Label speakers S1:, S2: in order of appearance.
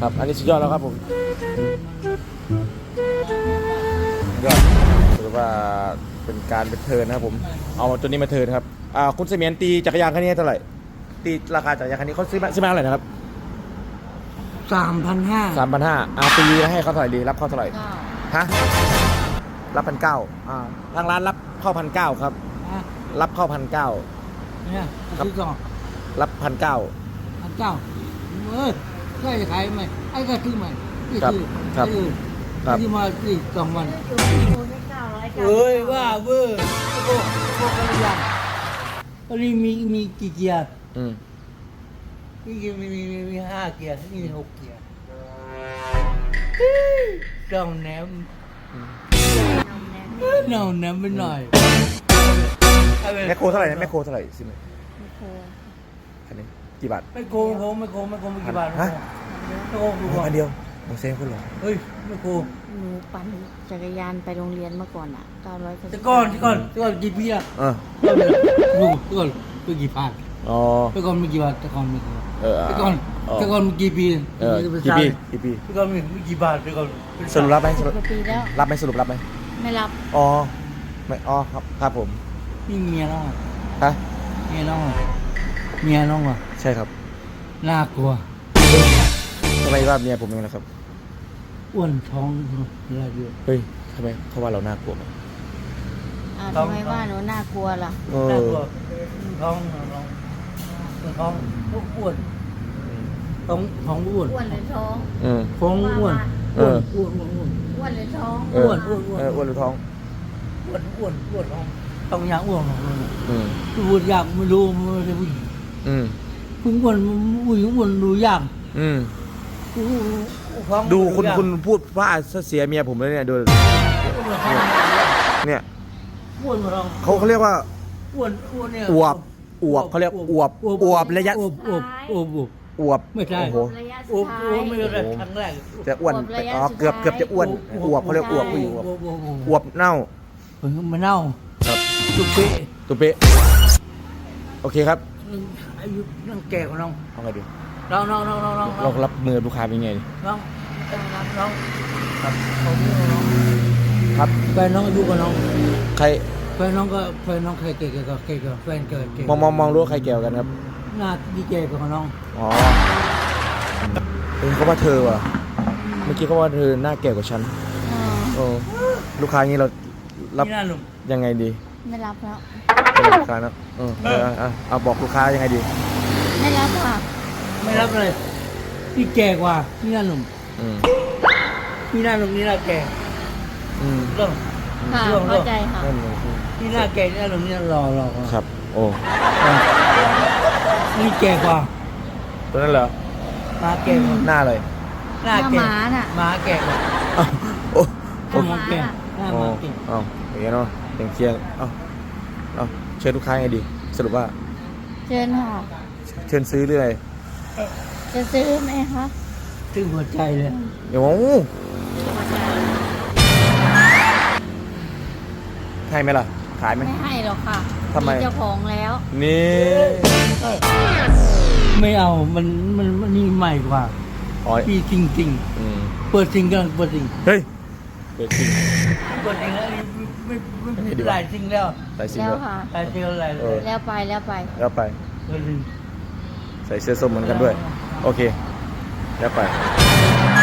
S1: ครับอันนี้สุดยอดแล้วครับผมยอดถือว่าเป็นการเป็นเทิร์นนะครับผมเอาตัวนี้มาเทิร์นครับคุณเสมียนตีจักรยานคันนี้เท่าไหร่ตีราคาจักรยานคันนี้เขาซื้อมาเท่าไหร่นะครับ 3,500ตีให้เขาเท่าไหร่ดีรับเขาเท่าไหร่ฮะรับ1,900ทางร้านรับเข้า1,900ครับรับเข้า1,900
S2: เนี่ยซื้อก่อน
S1: รับ1,900
S2: ใช่ขายไหมไอ้ก็ซื้อใหม่ที่ซื้อที่มาที่2 วันเอ้ยว่าเว้ยพวกกันยังอันนี้มีกี่เกียร์นี่มี5 เกียร์นี่6 เกียร์ต้องแหนมไปหน่อย
S1: แมคโครเท่าไหร่แมคโครเท่าไหร่สิแมคโครคันนี้กี่บาท
S2: ไม่โกงไม่กี่บาท
S1: ฮะ
S2: ไม่โกงดูก่อน
S1: อันเดียวผมเซฟคุณหรอ
S2: เฮ้ยไม่โกง
S3: หนูปั่นจักรยานไปโรงเรียนเมื่อก่อนอ่ะ900
S2: แต่ก่อนกี่ปีอะดูก่อนกี่พัน
S1: อ๋อ
S2: แต่ก่อนไม่กี่บาทแต่ก่อนไม่กี่บาทแต่ก่อนมีกี่ปี
S1: กี่ปี
S2: แต่ก่อนมีกี่บาทแต่ก่อน
S1: สรุปรับไหมสรุป
S3: ปีแล้ว
S1: รับไหมสรุปรับไหม
S3: ไม่รับ
S1: อ๋อไม่อ๋อครับผม
S2: นี่เมียน้อง
S1: ฮะ
S2: เมียน้องอ่ะ
S1: ใช่ครับ
S2: น่ากลัว
S1: ทำไมว่าเมียผมยังไงนะครับ
S2: อ้วนท้องอะไรเยอะ
S1: เฮ้ยทำไมเขาว่าเราน่ากลัวไหม
S3: ทำไมว่าหนูน่ากลัวล่ะ
S2: น่ากลัวท้องอ้วนท้องอ้วน
S3: อ้วนหรือท้อง
S2: ท้องอ้วน
S3: อ้วนหรือท้อง
S1: อ้วนหรือท้อง
S2: อ้วนท้องต้องยาอ้วนพูดยากไม่รู้ไม่ได้พูดพึ่งอ้วนอ้วนดูยาก
S1: ดูคุณพูดว่าเสียเมียผมเลยเนี่ยดูเนี่ยเขาเรียกว่า
S2: อ้วนเนี่ย
S1: อวบเขาเรียกอวบระยะอวบ
S2: ไม่ใช่
S1: โอ้โห
S2: ไม่ใช่ครั้งแรก
S1: จะอ้วนเกือบจะอ้วนอวบเขาเรียกอวบผู้หญิงอวบเน่า
S2: มันเน่า
S1: ครับ
S2: ตุ๊เป๊ะ
S1: โอเคครับ
S2: อายุนั่งแก่กว่าน้อง
S1: เอาไงดี
S2: น้อง
S1: เรารับมือลูกค้าเป็นไงดิ
S2: น้อง
S1: ครับ
S2: แฟนน้องอายุกว่าน้อง
S1: ใคร
S2: แฟนน้องใครเก่กับแฟนเกิด
S1: มองรู้ใครเกี่ยวกันครับ
S2: หน้าดีเก่กับน้อง
S1: อ๋อเขาว่าเธอว่ะเมื่อกี้เขาว่าเธอหน้าแก่กว่าฉันลูกค้านี้เรารับยังไงดี
S3: ไม่รับแล้ว
S1: ลูกค้านะเอาบอกลูกค้ายังไงดี
S3: ไม่รับค่ะ
S2: ไม่รับเลยพี่แก่กว่าพี่หน้าหนุ่มพี่หน้าหนุ่มนี่หน้าแก่เรื่อง
S3: เข้าใจค่ะ
S2: พี่หน้าแก่หน้าหนุ่มนี่รอ
S1: ครับโอ้
S2: นี่แก่กว่า
S1: ตัวนั้นเหรอ
S2: มาแก่กว่า
S1: หน้าเลย
S2: หน้าแก่มาแก่กว่า
S1: โอ้
S2: มาแก่
S1: อ้าวอย่างเงี้ยเนาะเชียงเชิญลูกค้าไงดีสรุปว่า
S3: เชิญค่ะ
S1: เชิญซื้อหรืออะไร
S3: จะซื้อไหมคะ
S2: ซื้อหัวใจเลย
S1: เดี๋ยวให้ไหมล่ะขายไหม
S3: ไม่ให้หรอกค่ะ
S1: ทำไม
S3: เจ้าของแล้ว
S1: นี่
S2: ไม่เอามันนี่ใหม่กว่าพี่จริงเปิดจริงกันเปิดจริง
S1: เฮ้ยเปิดจริง
S2: แล้วไม่หลายจริงแล้ว
S3: ค่ะ
S2: หลายจริงอะไร
S3: แล้ว
S1: ไปใส่เสื้อส้มเหมือนกันด้วยโอเคแล้วไป